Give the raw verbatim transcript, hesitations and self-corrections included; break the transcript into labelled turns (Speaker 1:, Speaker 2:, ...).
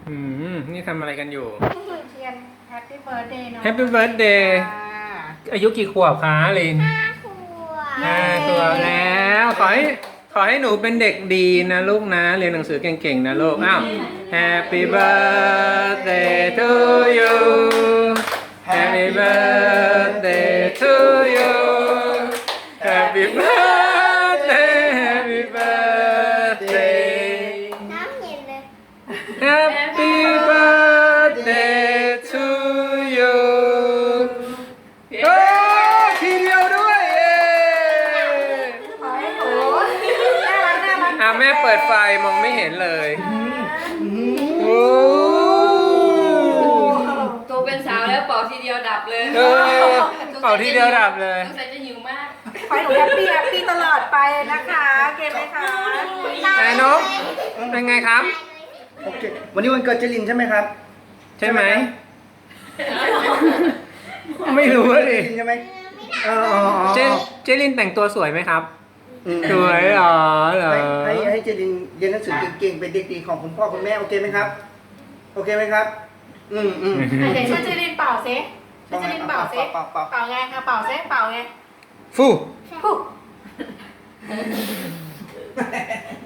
Speaker 1: อืมนี่ทำอะไรกันอยู่
Speaker 2: จุดเทียน Happy Birthday เนาะ
Speaker 1: Happy Birthday อายุกี่ขวบคะลิน
Speaker 3: ห้าขวบ
Speaker 1: ห้าขวบแล้วขอให้ขอให้หนูเป็นเด็กดีนะลูกนะเรียนหนังสือเก่งๆนะลูกอ้าว Happy birthday to you Happy birthday to you Happy birthday Happy birthday
Speaker 3: น้ำเย็นเลย
Speaker 1: Happy birthday to you โอ้ทีเดียวด้วยเย้
Speaker 2: ขอให้หนูน่ารักน่ารัก
Speaker 1: อ่ะแม่เปิดไฟมองไม่เห็นเลยโอ้
Speaker 4: โตเป็นสาวแล้วเป่าทีเดียวดับเลย
Speaker 1: เออเป่าทีเดียวดับเลย
Speaker 4: สงสัยจะหิวมาก
Speaker 2: ขอให้หนูแฮปปี้แฮปปี้ตลอดไปนะคะเกมไหมคะ
Speaker 1: นายนกเป็นไงครับ
Speaker 5: โอเควันนี้วันเกิดเจลินใช่ไหมครับ
Speaker 1: ใช่ไหม ไม่รู้เล
Speaker 5: เจ
Speaker 1: ย
Speaker 5: ลินใช่ไหมเอออ๋ออ๋อ
Speaker 1: เจเจลินแต่งตัวสวยไหมครับ
Speaker 5: อืม
Speaker 1: สวยเหรอเหรอ
Speaker 5: ให้ให้ให้เจลินเรียนหนังสือเก่งๆเป็นเด็กดีของคุณพ่อคุณแม่โอเคไหมครับ โอเคไหมครับ อืมอืม
Speaker 2: เดี๋ยวช่วยเจรินเป่าซิช่วยเจรินเป่าซิ
Speaker 5: เป่าเป่าเป่า
Speaker 2: เป่าไงคะเป่าซิเป่าไง
Speaker 1: ฟู
Speaker 2: ปุ๊บ